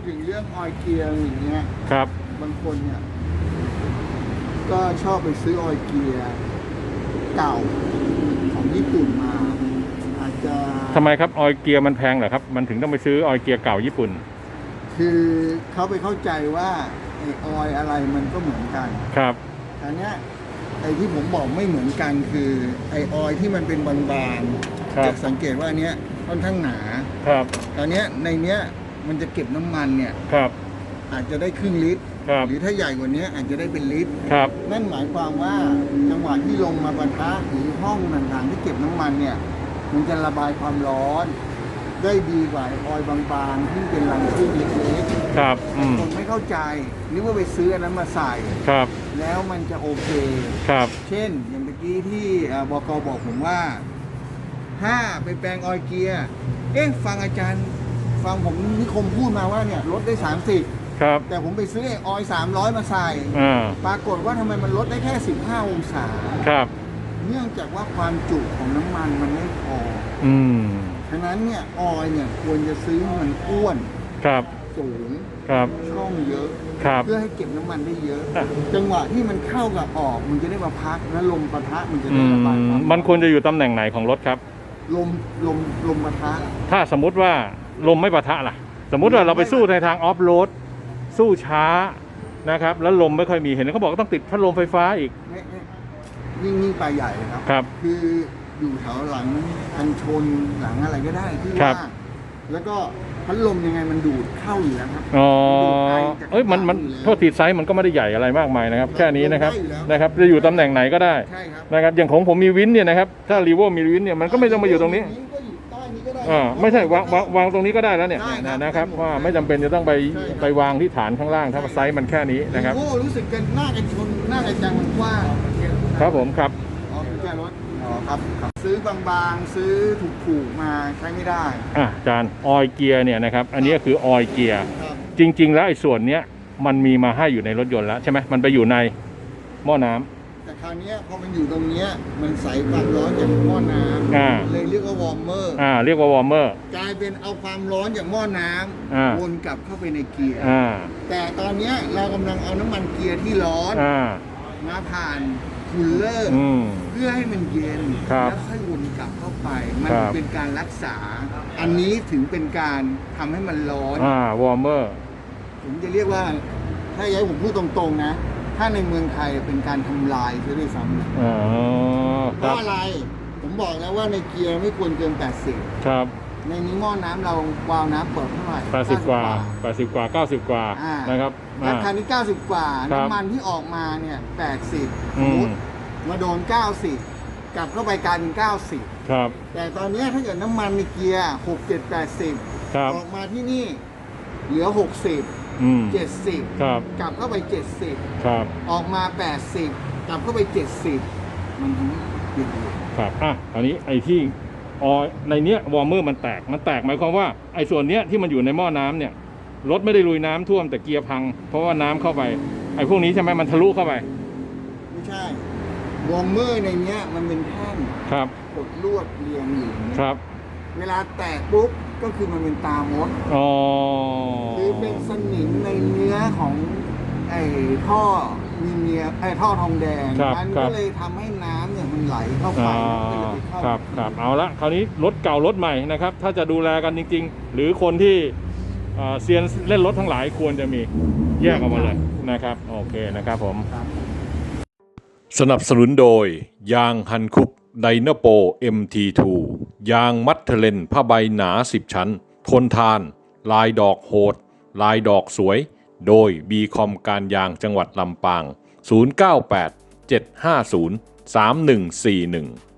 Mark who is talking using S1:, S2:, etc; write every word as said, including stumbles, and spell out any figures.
S1: ถึงเรื่องออยล์เกียร์อย่างเงี้ย
S2: ครับ
S1: บางคนเนี่ยก็ชอบไปซื้อออยล์เกียร์เก่าของญี่ปุ่นมาอาจจะ
S2: ทำไมครับออยล์เกียร์มันแพงเหรอครับมันถึงต้องไปซื้อออยล์เกียร์เก่าญี่ปุ่น
S1: คือเขาไปเข้าใจว่าไอออยล์อะไรมันก็เหมือนกัน
S2: ครับ
S1: อันเนี้ยไอที่ผมบอกไม่เหมือนกันคือไอออยล์ที่มันเป็นบางๆจะสังเกตว่าอันเนี้ยค่อนข้างหนา
S2: ครับ
S1: ตอนเนี้ยในเนี้ยมันจะเก็บน้ำมันเนี่ย
S2: ครับ
S1: อาจจะได้ครึ่งลิตรหรือถ้าใหญ่กว่านี้อาจจะได้เป็นลิตร
S2: ครับ
S1: นั่นหมายความว่าจังหวะที่ลงมาปะทะหรือห้องต่างๆที่เก็บน้ำมันเนี่ยมันจะระบายความร้อนได้ดีกว่าออยล์บางๆที่เป็นรังพึ่งเล็ก
S2: ๆครับ
S1: คนไม่เข้าใจนึกว่าไปซื้ออันนั้นมาใส่
S2: ครับ
S1: แล้วมันจะโอเค
S2: ครับ
S1: เช่นอย่างเมื่อกี้ที่บก.บอกผมว่าถ้าไปแปลงออยล์เกียร์เอ๊ะฟังอาจารย์ฟังผมนิคมพูดมาว่าเนี่ยลดได้สามสิบ
S2: ครับ
S1: แต่ผมไปซื้อออยล์สามร้อยมาใส่ปรากฏว่าทำไมมันลดได้แค่สิบห้าองศา
S2: ครับ
S1: เนื่องจากว่าความจุของน้ำมันมันไม่พอ
S2: อืม
S1: ฉะนั้นเนี่ยออยล์เนี่ยควรจะซื้อมันอ้วน
S2: ครับ
S1: สูง
S2: ครับ
S1: ช่องเยอะ
S2: ครับ
S1: เพื่อให้เก็บน้ำมันได้เยอะจังหวะที่มันเข้ากับออกมันจะได้มาพักแล้วลมปะทะมันจะได้ระบายความ
S2: มันควรจะอยู่ตำแหน่งไหนของรถครับ
S1: ลมลมลมปะทะ
S2: ถ้าสมมุติว่าลมไม่ปะทะล่ะสมมุติว่าเราไปสู้ในทางออฟโรดสู้ช้านะครับแล้วลมไม่ค่อยมีเห็นเขาบอกต้องติดพัดลมไฟฟ้าอีก
S1: ยิ่งยิ่งไปใหญ่เลยครับ
S2: ครับ
S1: คืออยู่แถวหลังกันชนหลังอะไรก็ได้ที่ว่าแล้วก็พัดลมยังไงมันดูดเข้าอยู่แล้วครับ
S2: อ๋อเอ้ยมันมันโทษทีไซส์มันก็ไม่ได้ใหญ่อะไรมากมายนะครับแค่นี้นะครับนะครับจะอยู่ตำแหน่งไหนก็ได้นะครับอย่างของผมมีวินเนี่ยนะครับถ้ารีโวมีวินเนี่ยมันก็ไม่ต้องมาอยู่ตรงนี้อ่าไม่ใช่วางวางวางตรงนี้ก็ได้แล้วเนี่ยนะครับว่าไม่จำเป็นจะต้องไปไปวางที่ฐานข้างล่างถ้าไซส์มันแค่นี้นะครับ
S1: โอ้รู้สึกกันหน้ากันชนหน้ากันจังมันกว้าง
S2: ครับผมครับ
S1: อ๋อแค่รถอ๋อครับซื้อบางๆซื้อถูกๆมาใช้ไม่ได้
S2: อ่ะอาจารย์ออยเกียร์เนี่ยนะครับอันนี้คือออยเกียร์จริงๆแล้วไอ้ส่วนเนี้ยมันมีมาให้อยู่ในรถยนต์แล้วใช่ไหมมันไปอยู่ในหม้อน้ำ
S1: แต่คราวนี้พอมันอยู่ตรงเนี้ยมันใส่ความร้อนจากหม้อน้ำเลยเรียกว่าวอร์มเมอร์
S2: อ่าเรียกว่าวอร์มเมอร์
S1: กลายเป็นเอาความร้อนจากหม้อน้ำวนกลับเข้าไปในเกียร์แต่ตอนนี้เรากำลังเอาน้ำมันเกียร์ที่ร้อนมาผ่านคูลเลอร์เพื่อให้มันเย็นแล้วค่อยวนกลับเข้าไปมันเป็นการรักษาอันนี้ถึงเป็นการทำให้มันร้อน
S2: อ่าวอร์มเมอร์
S1: ผมจะเรียกว่าถ้าย้ายผมพูดตรงๆนะถ้าในเมืองไทยเป็นการทำลายใช่ด้วยซ้ำ
S2: อ๋อ
S1: เพราะอะไรผมบอกแล้วว่าในเกียร์ไม่ควรเกินแปดสิบ
S2: ครับ
S1: ในนี้หม้อน้ำเราวาล์วน้ำเปิดเท่าไหร่
S2: แปดสิบกว่าแปดสิบกว่าเก้าสิบกว่านะครับ
S1: ราคานี้เก้าสิบกว่าน้ำมันที่ออกมาเนี่ยแปดสิบสมมติมาโดนเก้าสิบกลับเข้าไปกลายเป็นเก้าสิบ
S2: ครับ
S1: แต่ตอนนี้ถ้าเกิดน้ำมันในเกียร์หก เจ็ด แปดสิบออกมาที่นี่เหลือหกสิบเจ็ดสิบกลับเข้าไปเจ็ดสิบออกมาแปดสิบกลับเข้าไปเจ็ดสิบมันทำให้เปลี่ยน
S2: ครับอ่ะอันนี้ไอ้ที่ออในเนี้ยวอร์มเมอร์มันแตกมันแตกหมายความว่าไอ้ส่วนเนี้ยที่มันอยู่ในหม้อน้ำเนี่ยรถไม่ได้ลุยน้ำท่วมแต่เกียร์พังเพราะว่าน้ำเข้าไปไอ้พวกนี้ใช่ไหมมันทะลุเข้าไป
S1: ไม่ใช่วอร์มเมอร์ในเนี้ยมันเป็นแท่ง
S2: ครับ
S1: กดลวดเรียงอยู่
S2: ครับ
S1: เวลาแตกปุ๊บก็คือมันเป็นตามด
S2: อ๋อ
S1: คือเป็นสนิมในเนื้อของไอ้ท่อมีเนียไอ้ท่อทองแดงมันก็เลยทำให้น้ำเนี่ยมันไหลเข้าไป
S2: ครับครับเอาละคราวนี้รถเก่ารถใหม่นะครับถ้าจะดูแลกันจริงๆหรือคนที่เซียนเล่นรถทั้งหลายควรจะมีแยกออกมาเลยนะครับโอเคนะครับผมสนับสนุนโดยยางฮันคุกไดนาโป เอ็ม ที ทู ยางมัดเทเลนผ้าใบหนาสิบชั้นทนทานลายดอกโหดลายดอกสวยโดย บี คอม การยางจังหวัดลำปางศูนย์ เก้า แปด เจ็ด ห้า ศูนย์ สาม หนึ่ง สี่ หนึ่ง